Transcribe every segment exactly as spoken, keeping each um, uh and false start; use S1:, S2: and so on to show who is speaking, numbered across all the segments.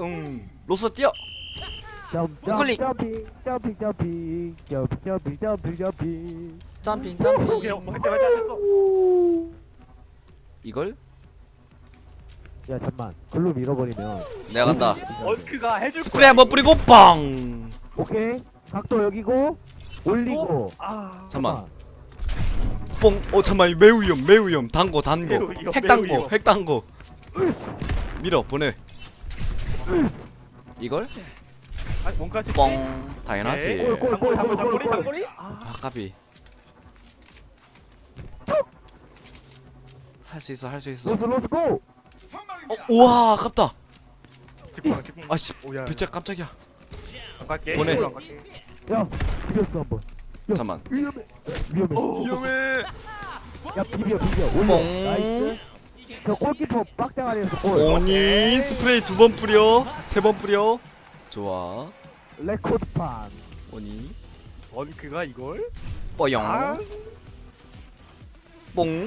S1: 응. 로스 뛰어.
S2: 점점
S1: 우클릭.
S2: 점핑 점핑 점핑 점핑 점핑 점핑 점핑.
S1: 점핑
S3: 오케이
S1: 점핑.
S3: 뭐 제발 잘했어.
S1: 이걸
S2: 야 잠만 글로 밀어버리면.
S1: 내가 간다.
S3: 얼크가 해줄
S1: 스프레이 한번 뿌리고 빵.
S2: 오케이 각도 여기고 올리고.
S3: 아
S1: 잠만. 뽕. 어 잠만 이거 매우 위험 매우 위험. 단거 단거.
S3: 매우 위험,
S1: 핵
S3: 매우
S1: 단거
S3: 위험.
S1: 핵 단거. 밀어 보내. 이걸
S3: 아니 뭔가 할수 있지?
S1: 뻥. 당연하지.
S3: 네.
S2: 골, 골.
S3: 장거리 장거리 장거리 장거리. 아
S1: 아 까비. 할 수 있어 할 수 있어.
S2: 로스 로스 고.
S1: 어 우와 아깝다.
S3: 직방 직방.
S1: 아씨
S3: 오야.
S1: 배째 깜짝이야.
S3: 안 갈게.
S1: 보내.
S3: 이쪽으로 안 갈게.
S2: 야 비볐어 한번. 야,
S1: 잠만.
S2: 위험해 위험해.
S1: 위험해.
S2: 야 비벼 비벼 올려.
S1: 뽕.
S2: 나이스. 저 골키퍼 빡장아리에서 골.
S1: 오니 스프레이 두 번 뿌려 세 번 뿌려. 좋아.
S2: 레코드판.
S1: 오니
S3: 얼크가 이걸?
S1: 뽀용
S3: 아
S1: 뽕.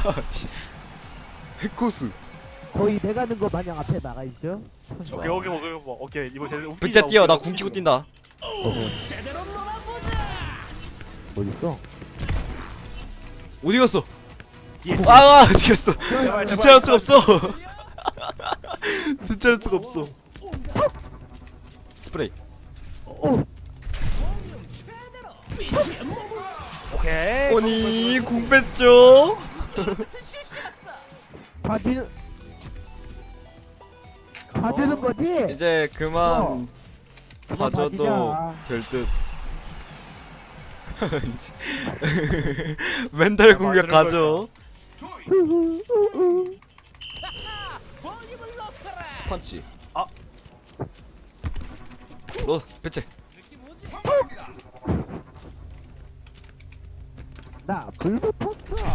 S1: 해코스.
S2: 거의 내가는 거 마냥 앞에 나가 있죠.
S3: 오케이 오케이 오케이 오케이 오케이 이거 제일 웃기다.
S1: 백자 뛰어 나
S3: 웃기다,
S1: 궁 키고
S3: 웃기다.
S1: 뛴다.
S2: 어디 있어?
S1: 어디 갔어?
S3: 예.
S1: 아 어디 갔어?
S3: 제발,
S1: 주차할
S3: 제발.
S1: 수가 없어. 주차할 수가 없어. 스프레이.
S2: 오.
S3: 오케이.
S1: 오니 궁 뺐죠.
S2: 봐주는 봐주는 거지?
S1: 이제 그만
S2: 그만
S1: 봐줘도
S2: 봐주자.
S1: 될 듯. 멘탈 공격 가죠. 펀치.
S3: 아.
S1: 로 배째.
S2: 나 불붙었어.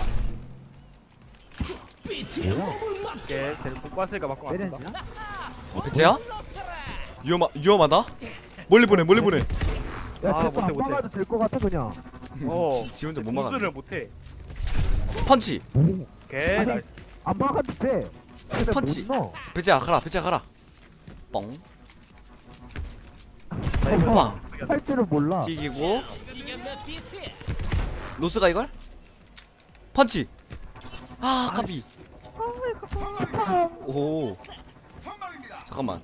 S2: 뭐야?
S3: 오케이. 쟤는 못 봤으니까 맞고
S2: 내렸냐?
S3: 맞다.
S1: 배째야? 위험하 위험하다. 멀리 보내 멀리 보내.
S2: 야,
S3: 아,
S2: 쟤거
S3: 못해,
S2: 안
S3: 못해.
S2: 막아도 될 것 같아 그냥.
S3: 어.
S1: 지, 지 혼자 못 막아.
S3: 공수를 못해.
S1: 펀치.
S3: 오케이.
S2: 아니,
S3: 나이스.
S2: 안 막아도 돼. 근데
S1: 펀치.
S2: 못 넣어.
S1: 배째야 가라 배째야 가라. 뻥.
S3: 나이스.
S1: 빵.
S2: 할 줄을 몰라.
S1: 튀기고. 로스가 이걸? 펀치. 아 까비. 오. 잠깐만.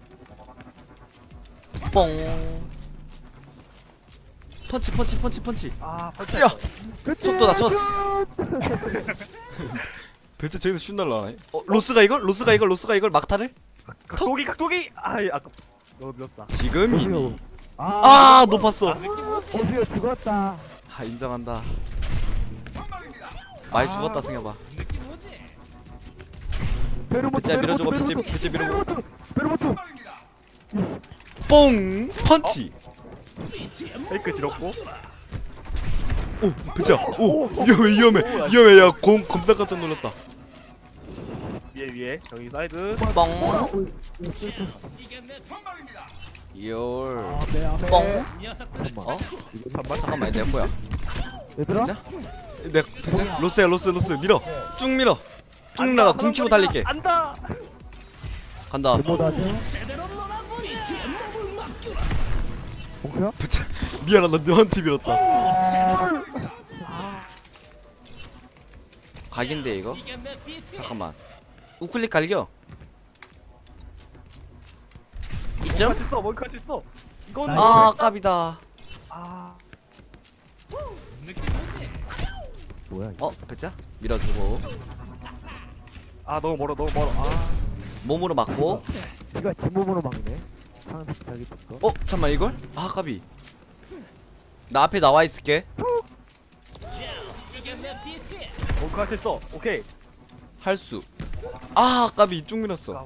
S1: 뻥. 펀치 펀치 펀치 펀치.
S3: 아 펀치.
S1: 야!
S2: 그치?
S1: 속도 낮췄어. 배째 저기서 슛 날라가네. 어 로스가 이걸? 로스가 이걸? 로스가 이걸 막타를?
S3: 각도기 각도기. 아이 아까 너무 늦었다.
S1: 지금이니.
S2: 아,
S1: 아 높았어.
S2: 오디오 죽었다.
S1: 아 인정한다. 많이 죽었다 승엽아.
S2: 베르모트,
S1: 배째 밀어주고
S2: 베르모트,
S1: 배째 배째 밀어주고.
S2: 베르모트.
S1: 뽕 펀치.
S3: 페이크 지렸고.
S1: 오 배째야. 오 위험해 위험해 위험해. 야공 검사 깜짝 놀랐다.
S3: 위에 위에 저기 사이드.
S1: 뻥. 열. 뻥. 어?
S3: 잠만.
S1: 잠깐만 내 거야.
S2: 얘들아?
S1: 진짜? 내 배째 로스야 로스 로스 밀어. 쭉 밀어. 쭉 나가 궁 키고 달릴게.
S3: 안다.
S1: 간다.
S2: 데모다지? 몽크야?
S1: 배째 미안하다 너한테 밀었다. 각인데 이거? 잠깐만. 우클릭 갈겨. 이점?
S3: 같이 써. 뭘 같이 써. 이건
S1: 아 깝이다.
S3: 아.
S2: 뭐야 이거?
S1: 어 배째 밀어주고
S3: 아 너무 멀어 너무 멀어. 아.
S1: 몸으로 맞고.
S2: 니가 뒷몸으로 막네. 상대 자기 거.
S1: 어 잠만 이걸? 아 까비. 나 앞에 나와 있을게.
S3: 뭘 같이 써. 오케이.
S1: 할 수. 아 까비 쭉 밀었어.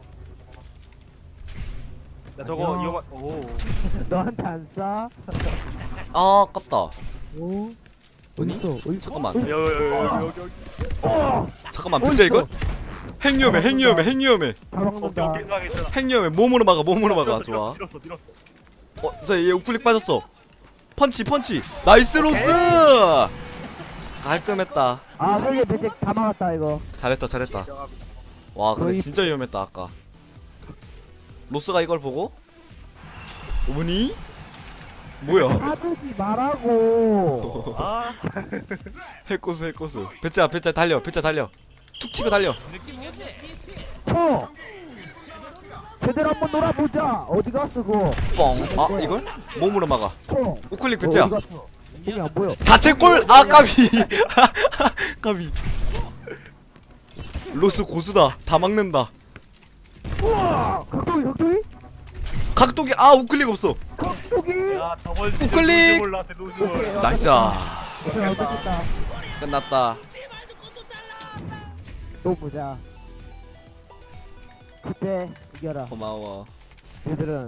S3: 나 저거
S2: 안녕.
S3: 이거 오.
S2: 너한테 안 싸?
S1: 아 아깝다.
S2: 오.
S1: 어디?
S2: 어딨어? 어디?
S1: 잠깐만.
S3: 여기 여기 여기 여기.
S2: 어!
S1: 잠깐만 배째 이걸? 핵 위험해 핵 위험해 핵 위험해
S2: 잘
S3: 오케이
S2: 막는다.
S3: 오케이 상황 있잖아.
S1: 핵 위험해. 몸으로 막아 몸으로 막아. 좋아.
S3: 밀었어 밀었어.
S1: 어, 자, 얘 우클릭 빠졌어. 펀치, 펀치. 나이스 로스! 깔끔했다.
S2: 아, 그게 대체 다 막았다 이거.
S1: 잘했다, 잘했다. 와, 근데
S2: 거의-
S1: 진짜 위험했다, 아까. 로스가 이걸 보고 오니? 뭐야?
S2: 하지 말라고.
S3: 아
S1: 해코스 해코스. 배짜 배짜 달려 배짜 달려. 툭 치고 달려.
S2: 쳐. 제대로 한번 놀아보자. 어디 갔어 그거?
S1: 뻥. 아 이걸? 몸으로 막아.
S2: 쳐.
S1: 우클릭
S2: 어,
S1: 배짜.
S2: 어디 갔어? 눈이 안 보여.
S1: 자책골! 아 까비. 까비. 로스 고수다. 다 막는다.
S2: 우와. 각도기 각도기?
S1: 각도기 아 우클릭 없어.
S2: 각도기.
S3: 야 저번
S1: 우클릭!
S3: 몰라 노즈
S2: 오케이.
S1: 나이스.
S2: 그래 어떻겠다.
S1: 끝났다.
S2: 또 보자. 그때 이겨라.
S1: 고마워.
S2: 얘들은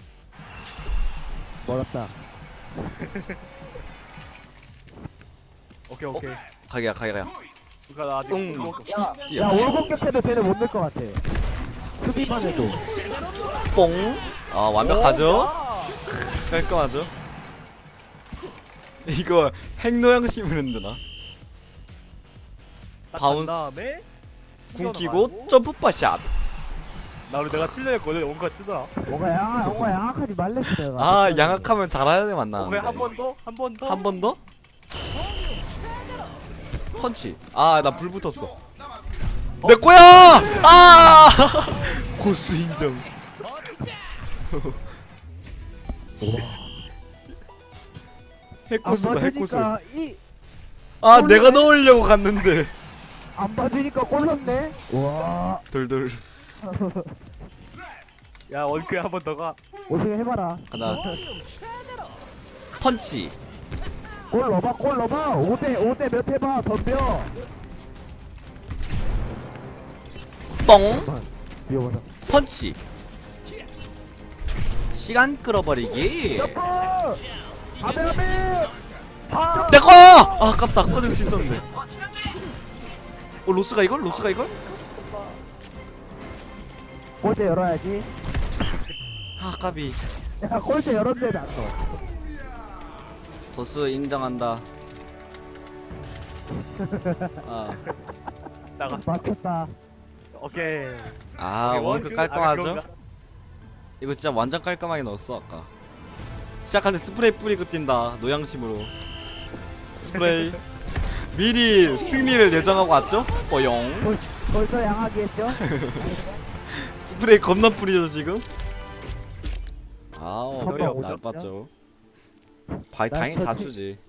S2: 멀었다.
S3: 오케이 오케이
S1: 가게야 가게야.
S3: 누가 나 아직
S1: 응.
S3: 응.
S2: 야,
S1: 뛰어.
S2: 야 월공격해도 쟤네 못 낼 것 같아. 수비만 해도.
S1: 뽕. 아 완벽하죠? 깔끔하죠? 이거 핵노양 심으면 되나? 바운스.
S3: 다음에
S1: 궁 끼고 점프 파샷.
S3: 나 우리 내가 칠레 걸려 원가 치더라
S2: 뭔가 양악, 뭔가 양악하지 말랬어 내가.
S1: 아 양악하면 잘하는 애 만나.
S3: 오케이 한 번 더 한 번 더
S1: 한 번 더? 펀치. 아 나 불 붙었어. 내 거야! 아! 고수 인정. 해코스다 해코스.
S2: 안 이,
S1: 아 내가 넣으려고 갔는데.
S2: 안 봐주니까 꼴렀네. 와.
S1: 돌돌.
S3: 야 원크에 한 번 더가
S2: 오승 해봐라.
S1: 하나. 펀치.
S2: 골 넣어봐, 골 넣어봐. 오 대, 오 대 몇 해봐, 덤벼.
S1: 뻥.
S2: 미워보자.
S1: 펀치. 시간 끌어버리기.
S2: 점프! 아베, 아베! 아!
S1: 내꺼! 아 아깝다. 꺼낼 수 있었는데. 어 로스가 이걸? 로스가 이걸?
S2: 골대 열어야지.
S1: 아 까비.
S2: 야, 골대 열었네, 나 또.
S1: 보스 인정한다. 아,
S3: 나갔어
S2: 맞췄다.
S3: 오케이
S1: 아
S3: 오케이,
S1: 원크
S3: 원크.
S1: 깔끔하죠?
S3: 아, 그런가?
S1: 이거 진짜 완전 깔끔하게 넣었어 아까. 시작할 때 스프레이 뿌리고 뛴다 노양심으로. 스프레이. 미리 승리를 예정하고 왔죠? 뽀용.
S2: 벌, 벌써 양하기 했죠?
S1: 스프레이 겁나 뿌리죠 지금? 아우
S2: 선방
S1: 날
S2: 오졌죠?
S1: 봤죠. 바이
S2: 난
S1: 당연히
S2: 저
S1: 자추지.